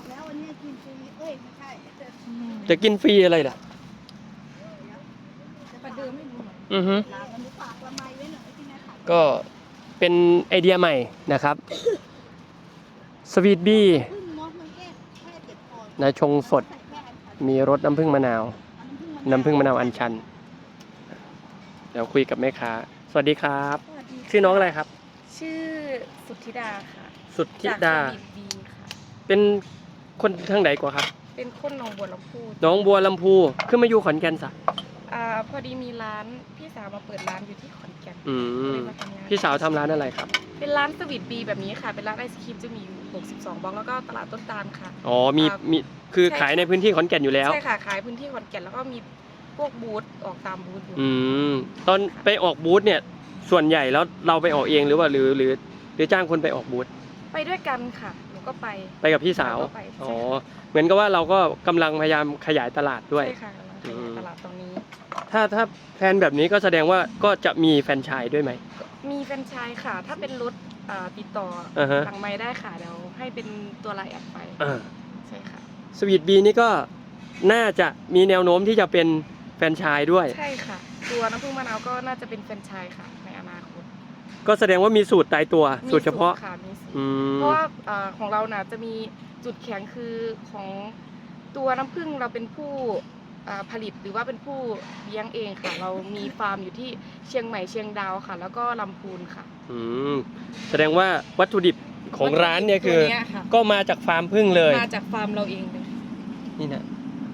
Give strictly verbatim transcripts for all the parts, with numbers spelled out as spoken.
แล้ววันนี้กินฟรีเอ้ยไม่ใช่จะกินฟรีอะไรล่ะจะประเดิมไม่รู้เหมือนอือฮึลาวันนี้ฝากละไมไว้หน่อยที่แม่ขายก็เป็นไอเดียใหม่นะครับสวีทบี้พึ่งมอสมันแก้แค่เจ็บคอนะชงสดมีรสน้ำผึ้งมะนาว น้ำผึ้งมะนาวอัญชัน เดี๋ยวคุยกับแม่ค้าสวัสดีครับสวัสดีค่ะชื่อน้องอะไรครับชื่อสุทธิดาค่ะสุทธิดาจากสวีทบีค่ะเป็นคนทางไหนกว่าครับเป็นคนหนองบัวลำพูน้องบัวลำพูขึ้นมาอยู่ขอนแก่นซะอ่าพอดีมีร้านพี่สาวมาเปิดร้านอยู่ที่ขอนแก่นอืก็มเลยมาทำงานพี่สาวทำร้านอะไรครับเป็นร้านสวีทบีแบบนี้ค่ะ เป็นร้านไอศครีมจะมีอยู่หกสิบสองบล็อกแล้วก็ตลาดต้นตาลค่ะอ๋อมีอ่ามีคือใช่ขายในพื้นที่ขอนแก่นอยู่แล้วใช่ค่ะขายพื้นที่ขอนแก่นแล้วก็มีพวกบูธออกตามบูธอยู่อืมตอนไปออกบูธเนี่ยส่วนใหญ่แล้วเราไปออกเองหรือว่าหรือหรือหรือจ้างคนไปออกบูธไปด้วยกันค่ะหนูก็ไปไปกับพี่สาวเราก็ไปอ๋อใช่ค่ะเหมือนกับว่าเราก็กำลังพยายามขยายตลาดด้วยใช่ค่ะกำลังขยายตลาดตรงนี้ถ้าถ้าแพลนแบบนี้ก็แสดงว่าก็จะมีแฟรนไชส์ด้วยไหมมีแฟรนไชส์ค่ะ ถ้าเป็นรถอ่าติดต่ออ่าฮะหลังไม้ได้ค่ะเดี๋ยวให้เป็นตัวไลน์แอดไปอ่าใช่ค่ะสวีทบีนี่ก็น่าจะมีแนวโน้มที่จะเป็นแฟรนไชส์ด้วยใช่ค่ะ ตัวน้ำผึ้งมะนาวก็น่าจะเป็นแฟรนไชส์ค่ะในอนาคตก็แสดงว่ามีสูตรตายตัวมีสูตรเฉพาะค่ะมีสูตรอืมเพราะว่าเอ่อของเราน่ะจะมีจุดแข็งคือของตัวน้ำผึ้งเราเป็นผู้อ่าผลิตหรือว่าเป็นผู้เลี้ยงเองค่ะ เรามีฟาร์มอยู่ที่เชียงใหม่เชียงดาวค่ะ แล้วก็ลำพูนค่ะอืมแสดงว่าวัตถุดิบของร้านเนี่ยคือตัวเนี้ยค่ะก็มาจากฟาร์มพึ่งเลยมาจากฟาร์มเราเองเลยนี่นะ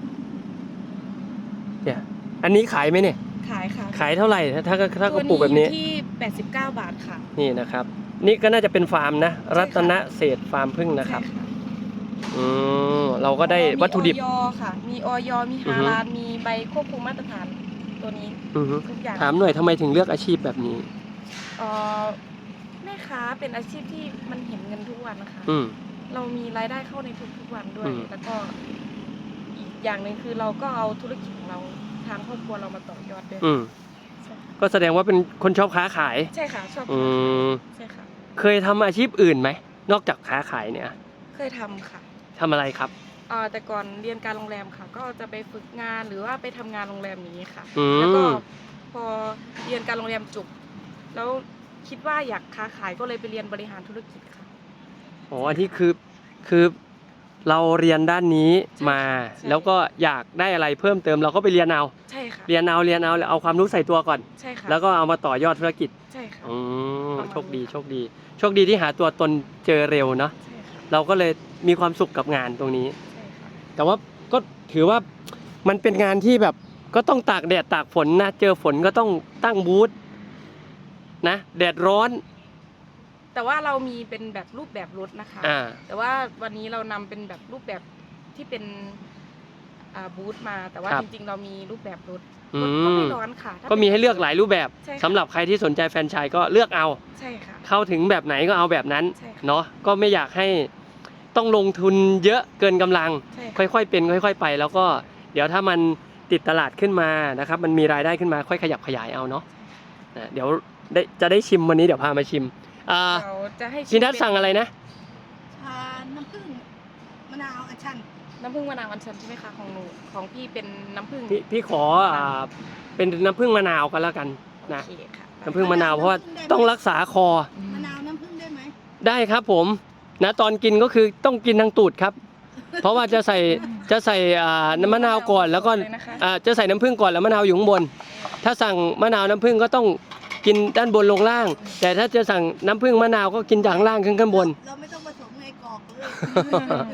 เนี่ยอันนี้ขายไหมเนี่ยขายค่ะขายเท่าไหร่ถ้าถ้าถ้ากระปุกแบบนี้ตัวอยู่ที่แปดสิบเก้าบาทค่ะนี่นะครับ นี่ก็น่าจะเป็นฟาร์มนะใช่ค่ะรัตนเศรษฐ์ฟาร์มพึ่งนะครับใช่ค่ะอืมเราก็ได้วัตถุดิบมีออยค่ะ มีออยมีอือฮาฮึลาลมีใบควบคุมมาตรฐานตัวนี้อือฮึทุกอย่างถามหน่อยทำไมถึงเลือกอาชีพแบบนี้เอ่อแม่ค้าเป็นอาชีพที่มันเห็นเงินทุกวันนะคะอืมเรามีรายได้เข้าในทุกๆวันด้วยอืมแล้วก็อีกอย่างหนึ่งคือเราก็เอาธุรกิจของเราทางครอบครัวเรามาต่อยอดด้วยอืมใช่ก็แสดงว่าเป็นคนชอบค้าขายใช่ค่ะชอบอืมใช่ค่ะเคยทำอาชีพอื่นไหมนอกจากค้าขายเนี่ยเคยทำค่ะทำอะไรครับเอ่อแต่ก่อนเรียนการโรงแรมค่ะ ก็จะไปฝึกงานหรือว่าไปทำงานโรงแรมอย่างนี้ค่ะอืมแล้วก็พอเรียนการโรงแรมจบแล้วคิดว่าอยากค้าขายก็เลยไปเรียนบริหารธุรกิจค่ะอ๋ออันที่คือคือเราเรียนด้านนี้มาใช่แล้วก็อยากได้อะไรเพิ่มเติมเราก็ไปเรียนเอาใช่ค่ะเรียนเอาเรียนเอาแล้วเอาความรู้ใส่ตัวก่อนใช่ค่ะแล้วก็เอามาต่อยอดธุรกิจใช่ค่ะอืมประมาณโชคดีนี้ค่ะโชคดี โชคดีที่หาตัวตนเจอเร็วเนาะใช่ค่ะเราก็เลยมีความสุขกับงานตรงนี้ใช่ค่ะแต่ว่าก็ถือว่ามันเป็นงานที่แบบก็ต้องตากแดดตากฝนนะเจอฝนก็ต้องตั้งบูธนะแดดร้อนแต่ว่าเรามีเป็นแบบรูปแบบรถนะคะอ่าแต่ว่าวันนี้เรานำเป็นแบบรูปแบบที่เป็นอ่าบูธมา แต่ว่าครับจริงๆ เรามีรูปแบบรถอืรถก็ไม่มร้อนค่ะถ้าก็มีป็นให้เลือกหลายรูปแบบใช่ค่ะสำหรับใครที่สนใจแฟรนไชส์ก็เลือกเอาใช่ค่ะเข้าถึงแบบไหนก็เอาแบบนั้นใช่ค่ะเนาะก็ไม่อยากให้ต้องลงทุนเยอะเกินกำลังใช่ค่ะค่อยๆเป็นค่อย ๆ ไป แล้วก็เดี๋ยวถ้ามันติดตลาดขึ้นมานะครับมันมีรายได้ขึ้นมาค่อยขยับขยายเอาเนาะนะเดี๋ยวได้จะได้ชิมวันนี้เดี๋ยวพามาชิมอ่าเราจะให้ชิมพี่นัทเป็นสั่งอะไรนะชาน้ำผึ้งมะนาวอัญชันน้ำผึ้งมะนาวอัญชันใช่ไหมคะของหนูของพี่เป็นน้ำผึ้งพี่พี่ขออ่าเป็นน้ำผึ้งมะนาวกันแล้วกันนะโอเคค่ะน้ำผึ้งมะนาวเพราะว่าต้องรักษาคอมะนาวน้ำผึ้งได้ไหมได้ครับผมนะตอนกินก็คือต้องกินทางตูดครับ เพราะว่าจะใส่จะใส่อ่าน้ำมะนาวก่อนแล้วก็เลยนะคะอ่าจะใส่น้ำผึ้งก่อนแล้วมะนาวอยู่ข้างบน ถ้าสั่งมะนาวน้ำผึ้งก็ต้องกินด้านบนลงล่าง แต่ถ้าจะสั่งน้ำผึ้งมะนาวก็กินจากข้างล่างขึ้นข้างบนเราไม่ต้องผสมในกรอกเลย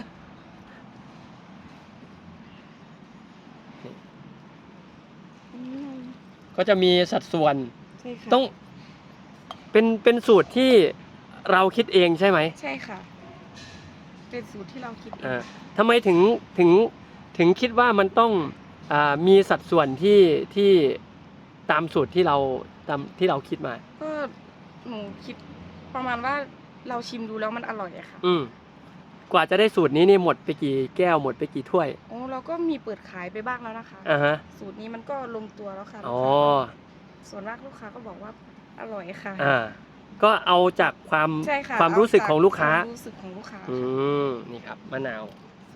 ก็จะมีสัดส่วนใช่ค่ะต้องเป็นเป็นสูตรที่เราคิดเองใช่ไหมใช่ค่ะ เป็นสูตรที่เราคิดเองอ่าทำไมถึงถึงถึงคิดว่ามันต้องอ่ามีสัดส่วนที่ที่ตามสูตรที่เราตามที่เราคิดมาก็หนูคิดประมาณว่าเราชิมดูแล้วมันอร่อยอะค่ะอืมกว่าจะได้สูตรนี้นี่หมดไปกี่แก้วหมดไปกี่ถ้วยโอ้เราก็มีเปิดขายไปบ้างแล้วนะคะอ่าฮะสูตรนี้มันก็ลงตัวแล้วค่ะอ๋อลูกค้าก็ส่วนมากลูกค้าก็บอกว่าอร่อยค่ะอ่าก็เอาจากความใช่ค่ะความรู้สึกของลูกค้าเจความรู้สึกของลูกค้าอืมนี่ครับมะนาวส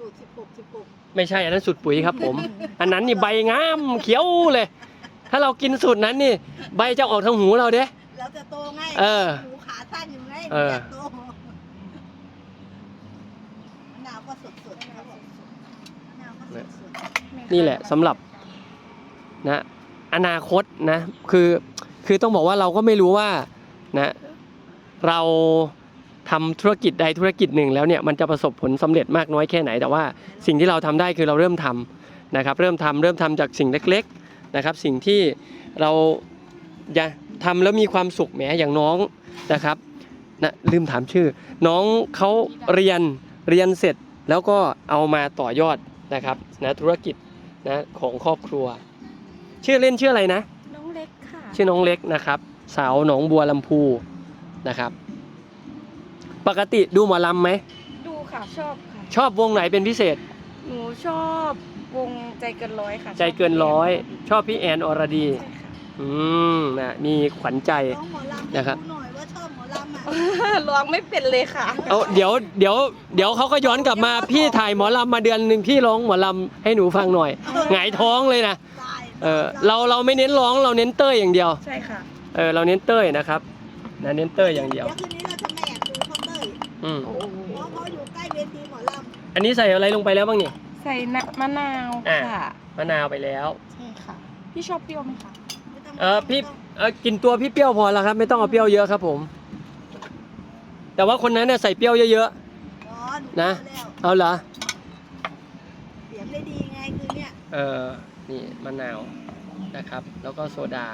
สูตรสิบหก สิบหกไม่ใช่อันนั้นสูตรปุ๋ยครับผม อันนั้นนี่ใบงามเขียวเลย ถ้าเรากินสูตรนั้นนี่ใบจะออกทางหูเราเด้เราจะโตไงเออหูขาสั้นอยู่ไงเอออยากโตมะนาวก็สดๆครับผมมะนาวก็สดนี่แหละสำหรับนะอนาคตนะคือคือต้องบอกว่าเราก็ไม่รู้ว่านะเราทำธุรกิจใดธุรกิจหนึ่งแล้วเนี่ยมันจะประสบผลสำเร็จมากน้อยแค่ไหนแต่ว่าสิ่งที่เราทำได้คือเราเริ่มทำนะครับเริ่มทำเริ่มทำจากสิ่งเล็กๆนะครับสิ่งที่เราจะทำแล้วมีความสุขแหมอย่างน้องนะครับนะลืมถามชื่อ น้องเขาเรียนเรียนเสร็จแล้วก็เอามาต่อยอดนะครับนะธุรกิจนะของครอบครัว ชื่อเล่นชื่ออะไรนะน้องเล็กค่ะชื่อน้องเล็กนะครับสาวหนองบัวลำพูนะครับปกติดูหมอลำไหมดูค่ะชอบค่ะชอบวงไหนเป็นพิเศษหนูชอบวงใจเกินร้อยค่ะใจเกินร้อยชอบพี่แอนอรดีใช่ค่ะอืมนะมีขวัญใจๆน้องหมอลำนะครับดูหน่อยว่าชอบหมอลำอ่ะร้องไม่เป็นเลยค่ะเอาเดี๋ยวเดี๋ยวเดี๋ยวเขาก็ย้อนกลับมาพี่ถ่ายหมอลำมาเดือนหนึ่งพี่ร้องหมอลำให้หนูฟังหน่อยหงายท้องเลยนะตายเออเราเราไม่เน้นร้องเราเน้นเต้ยอย่างเดียวใช่ค่ะเออเราเน้นเต้ยนะครับนะเน้นเต้ยอย่างเดียวเดี๋ยวคืนนี้เราจะมาแอบดูเขาเต้ยอืมโอ้โหเพราะเขาอยู่ใกล้เวทีหมอลำอันนี้ใส่อะไรลงไปแล้วบ้างนี่ใส่น้ำมะนาวอ่ะค่ะมะนาวไปแล้วใช่ค่ะ พี่ชอบเปรี้ยวไหมคะไม่ต้งเออพี่เออกินตัวพี่เปรี้ยวพอแล้วครับไม่ต้องเอาเปรี้ยวเยอะครับผม แต่ว่าคนนั้นเนี่ยใส่เปรี้ยวเยอะอ๋อหนูนะรู้แล้วๆเอาเหรอเสียงได้ดีไงคือเนี่ยเออนี่มะนาวนะครับ แล้วก็โซดา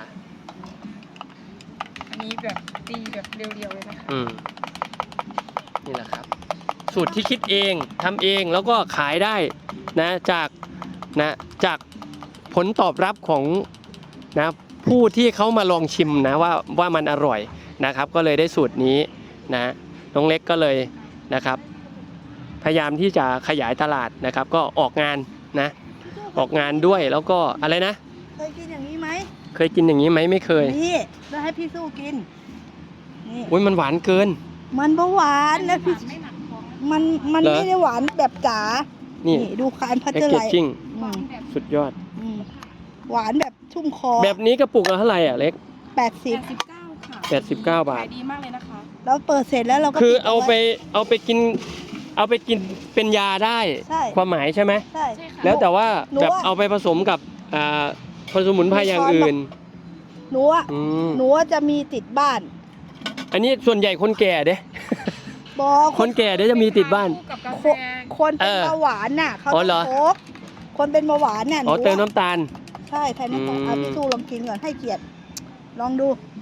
อันนี้แบบตีแบบเรียวๆเลยนะคะอืมนี่แหละครับ สูตรที่คิดเองทำเองแล้วก็ขายได้นะจากนะจากผลตอบรับของนะผู้ที่เขามาลองชิมนะว่าว่ามันอร่อยนะครับ ก็เลยได้สูตรนี้นะน้องเล็กก็เลยนะครับ พยายามที่จะขยายตลาดนะครับ ก็ออกงานนะออกงานด้วยแล้วก็อะไรนะเคยกินอย่างนี้ไหมเคยกินอย่างนี้ไหมไม่เคยนี่แล้วให้พี่สู้กินนี่อุ้ยมันหวานเกินมันเบาหวานนะพี่ไม่หนักท้องมันมันเหรอไม่ได้หวานแบบจ๋านี่ดูคานพัชแพ็กเจอเกร์จไลท์จิ้งอืมสุดยอดอืมหวานแบบชุ่มคอแบบนี้กระปุกละเท่าไหร่อ่ะเล็กแปดสิบแปดสิบเก้าค่ะแปดสิบเก้าบาทขายดีมากเลยนะคะแล้วเปิดเสร็จแล้วเราก็คือปิดเอาไปว้เอาไปกิน เอาไปกินเป็นยาได้ใช่ความหมายใช่ไหมใช่ใช่ค่ะแล้วแต่ว่าหนูแบบว่าเอาไปผสมกับอ่าผสมุนไพรอย่างอื่นหนูอะอืมหนูอะจะมีติดบ้านอันนี้ส่วนใหญ่คนแก่เด้บอคนแก่เด้จะมีติดบ้านคู่กับกาแฟคนเป็นเออเบาหวานน่ะเขาอ๋อต้เหรอองพกคนเป็นเบาหวานน่ะหอ๋อนูเติมอะน้ำตาลใช่ไทยน้ำตาลอืมอ่ะพี่สู้ลองกินก่อนให้เกียรติลองดู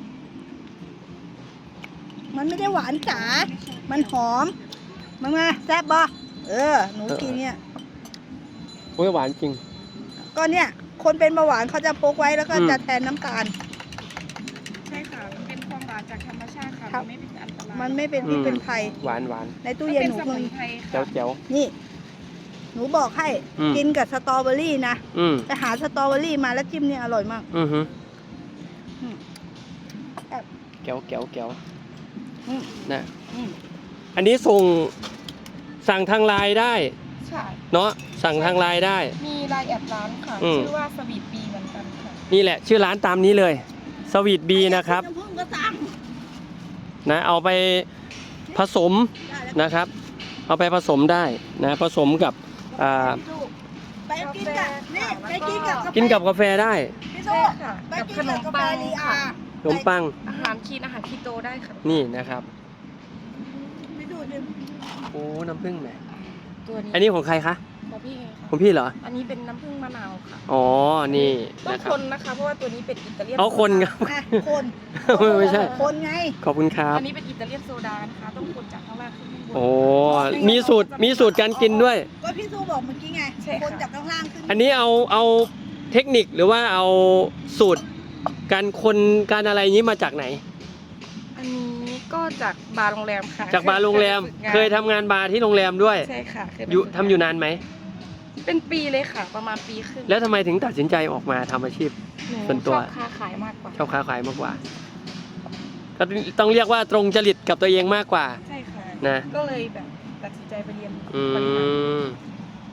มันไม่ได้หวานจ๋า มันหอมมันมาแซ่บบ่เออ หนูกินเนี่ยโอ้ยหวานจริงก็เนี่ย คนเป็นเบาหวานเขาจะพกไว้แล้วก็อืมจะแทนน้ำตาลใช่ค่ะมันเป็นความหวานจากธรรมชาติค่ะครับมันไม่เป็นอันตรายมันไม่เป็นพิษเป็นภัยหวานหวานในตู้มันเย็นเป็นหนูสเคมุยนไพรแจ๋วค่ะแจ๋วนี่ หนูบอกให้อืมกินกับสตรอเบอรี่นะอืมไปหาสตรอเบอรี่มาแล้วจิ้มเนี่ยอร่อยมากอือฮึอืมแอบแก้วแก้วแก้วอืมนะอืมอันนี้ส่งสั่งทางไลน์ได้ใช่เนาะสั่งทางไลน์ได้มีรายแอดร้านค่ะอืมชื่อว่าสวีทบีเหมือนกันค่ะนี่แหละชื่อร้านตามนี้เลยสวีทบีนะครับน้ำผึ้งก็สั่งนะเอาไปผสมได้แล้วนะครับ เอาไปผสมได้นะผสมกับอ่าไปกินกับนี่ไปกินกับาแฟกินกับกาแฟได้พี่ใช่โซ่ค่ะไปกับกิขนนกับมกาแฟปังลีอาค่ะขนมปังอาหารคีนอาหารคีโตได้ค่ะนี่นะครับพี่ดูดิโอ้น้ำผึ้งแหมตัวนี้อันนี้ของใครคะของพี่เองค่ะของพี่เหรออันนี้เป็นน้ำผึ้งมะนาวค่ะอ๋อนี่ต้องนะครัคบนนะคะ เพราะว่าตัวนี้เป็นอิตาเลียนเอาคนครับอ่ะคนไม่ใช่คนไงขอบคุณครับอันนี้เป็นอิตาเลียนโซดานะคะ ต้องคนจากข้างล่างขึ้นข้างบนโอ้มีสูตรมีสูตรการกินด้วยก็พี่สู้บอกเมื่อกี้ไงใช่ค่ะคนจากข้างล่างขึ้นอันนี้เอาเอาเทคนิคหรือว่าเอาสูตรการคนการอะไรอย่างนี้มาจากไหนอันนี้ก็จากบาร์โรงแรมค่ะจากบาร์โรงแรม เคยทำงานบาร์ที่โรงแรมด้วยใช่ค่ะเคไปอยู่ฝึกงทำอยู่นานไหมเป็นปีเลยค่ะ ประมาณปีครึ่งแล้วทำไมถึงตัดสินใจออกมาทำอาชีพหนูส่วนตัวชอบค้าขายมากกว่าชอบค้าขายมากกว่า ก็ต้องเรียกว่าตรงจริตกับตัวเองมากกว่าใช่ค่ะนะก็เลยแบบตัดสินใจไปเรียนอืบริหารม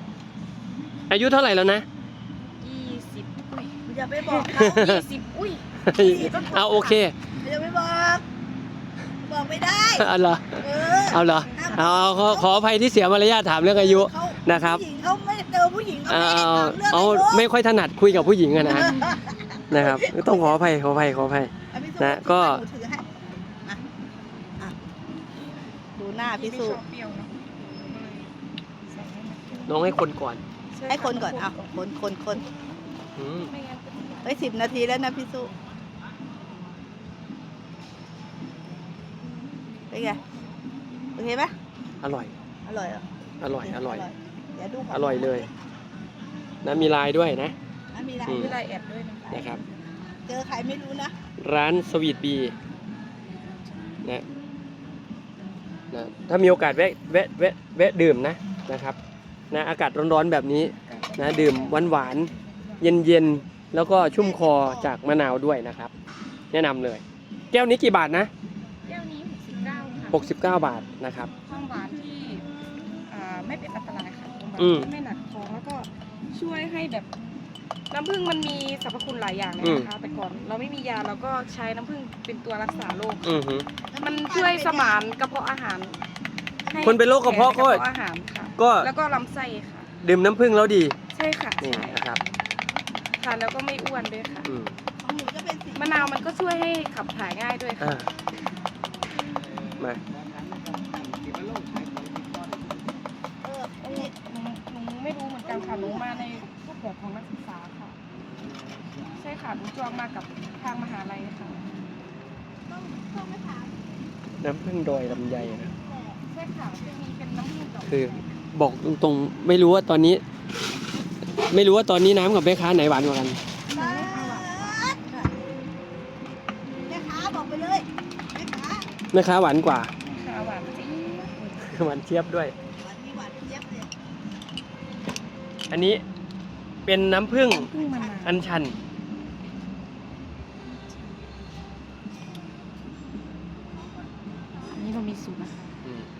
อายุเท่าไหร่แล้วนะยี่สิบอุ้ยอย่าไปบอกเขายี่สิบอุ้ยเอาโอเคอย่าไปบอกบอกไม่ได้เอาเหรอเออเอาเหรอเอาเอาขอขออภัยที่เสียมารยาทถามเรื่องอายุเขานะครับผู้หญิงเขาไม่เจอผู้หญิงเขาเอาไม่ได้เอาถามเรื่องเอาอายุไม่ค่อยถนัดคุยกับผู้หญิงอะนะนะครับต้องขออภัยขออภัยขออภัยเอาพี่สุนะก็หนูถือให้อ่ะอ่ะดูหน้าพี่สุไม่ชอบเปรี้ยวเนอะใส่ให้มันเปรี้ยวน้องให้คนก่อนให้คนก่อนเอาคนคนคนอืมไม่งั้นจะเฮ้ยสิบนาทีแล้วนะพี่สุเป็นไงโอเคไหมอร่อยอร่อยเหรออร่อยอร่อยเดี๋ยวดูขงอร่อยเลย นะมีลายด้วยนะอ่ะมีอะไรอืมมีลายแอดด้วยนะนะครับเจอใครไม่รู้นะร้านสวีทบีนะนะถ้ามีโอกาสแวะแวะแวะแวะดื่มนะนะครับนะอากาศร้อนๆแบบนี้นะดื่มหวานๆเย็นๆแล้วก็ชุ่มคอจากมะนาวด้วยนะครับ แนะนำเลย แก้วนี้กี่บาทนะแก้วนี้หกสิบเก้าค่ะหกสิบเก้าบาทนะครับความหวานที่อ่าไม่เป็นอันตรายค่ะความหวานอืมที่ไม่หนักท้องแล้วก็ช่วยให้แบบน้ำผึ้งมันมีสรรพคุณหลายอย่างเลยอืมนะคะแต่ก่อนเราไม่มียาเราก็ใช้น้ำผึ้งเป็นตัวรักษาโรคอือหือมันช่วยสมานกระเพาะอาหารให้คนเป็นโรคกระเพาะก็กระเพาะอาหารค่ะก็แล้วก็ลำไส้ค่ะดื่มน้ำผึ้งแล้วดีใช่ค่ะนี่ใช่นะครับทานแล้วก็ไม่อ้วนด้วยค่ะอืมของหนูจะเป็นสีมะนาวมันก็ช่วยให้ขับถ่ายง่ายด้วยค่ะอ่ามาเออหนูหนูหนูไม่รู้เหมือนกันค่ะหนูมาในรูปแบบของนักศึกษาค่ะ ใช่ค่ะหนูจองมากับทางมหาลัยค่ะต้องต้องไปถามน้ำผึ้งดอยลำไยนะใช่ค่ะจะมีเป็นน้ำผึ้งดอกคือบอกตรงๆไม่รู้ว่าตอนนี้ ไม่รู้ว่าตอนนี้น้ำกับแม่ค้าไหนหวานกว่ากันบ้านแม่ค้าบอกไปเลยแม่ค้าแม่ค้าหวานกว่าค่ะหวานจริงหวานเจี๊ยบด้วยหวานมีหวานเจี๊ยบเลยอันนี้เป็นน้ำผึ้งน้ำผึ้งมะนาวอัญชันอันนี้เรามีสูตรนะคะอืม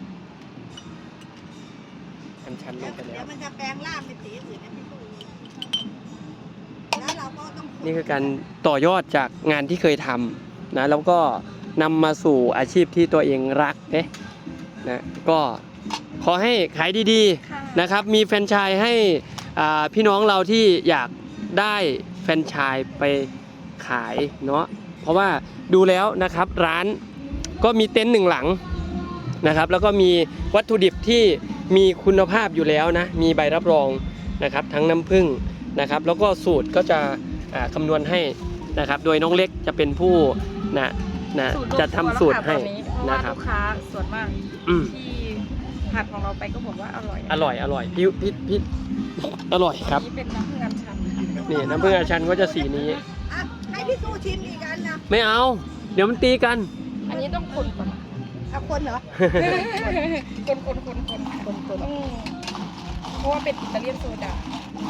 อัญชันลเดี๋ยงวไปแล้เดี๋ยววมันจะแปลงร่างเป็นสีอื่นนะพี่ตู่แล้วเราก็ต้องนี่คือการต่อยอดจากงานที่เคยทำนะแล้วก็นำมาสู่อาชีพที่ตัวเองรักเนะนะก็ขอให้ขายดีค่ะๆนะครับ มีแฟรนไชส์ให้อ่าพี่น้องเราที่อยากได้แฟรนไชส์ไปขายเนาะเพราะว่าดูแล้วนะครับร้านก็มีเต็นท์หนึ่งหลังนะครับ แล้วก็มีวัตถุดิบที่มีคุณภาพอยู่แล้วนะมีใบรับรองนะครับทั้งน้ำผึ้งนะครับ แล้วก็สูตรก็จะอ่าคำนวณให้นะครับ โดยน้องเล็กจะเป็นผู้นะนะสูตรลงจะทำสูตรให้ตัวแล้วค่ะตอนนี้เพราะว่านะครับลูกค้าส่วนมากอืมที่ทานของเราไปก็บอกว่าอร่อยอร่อยอร่อยพี่พี่พี่อร่อยครับอันนี้เป็นน้ำผึ้งอัญชันค่ะนี่น้ำผึ้งอัญชันก็จะสีนี้อ่ะให้พี่ตู่ชิมอีกอันนะไม่เอา เดี๋ยวมันตีกันอันนี้ต้องคนก่อนเอาคนเหรอคนคนคนคนคนคนต้องเพราะว่าเป็นอิตาเลียนโซดา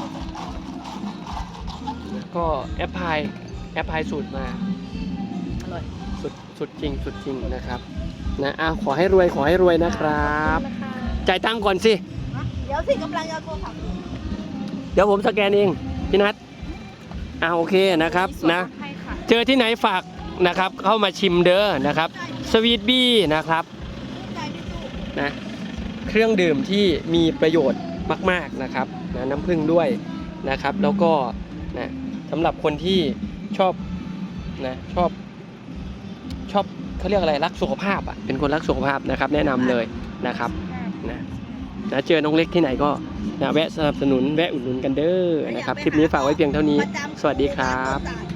ก็แอปพลายแอปพลายสูตรมาอร่อยสุดสุดจริงสุดจริงนะครับนะอ่ะขอให้รวยขอให้รวยนะครับขอณนะคะจ่ายตังค์ก่อนสิเดี๋ยวสิกำลังจะโทรศัพท์เดี๋ยวผมสแกนเองพี่นัทอ่ะโอเคนะครับมีส่วนะลดให้ค่ะเจอที่ไหนฝากนะครับ เข้ามาชิมเด้อนะครับสวีทบี้นะครับใจพี่ตู่นะเครื่องดื่มที่มีประโยชน์มากๆนะครับนะน้ำผึ้งด้วยนะครับ แล้วก็นะสำหรับคนที่ชอบนะชอบชอบเขาเรียกอะไรรักสุขภาพอ่ะเป็นคนรักสุขภาพนะครับ แนะนำเลยนะครับนะนะเจอน้องเล็กที่ไหนก็นะแวะสนับสนุนแวะอุดหนุนกันเด้อนะครับคลิปนี้ฝากไว้เพียงเท่านี้ประจำสวัสดีครับต้นสาย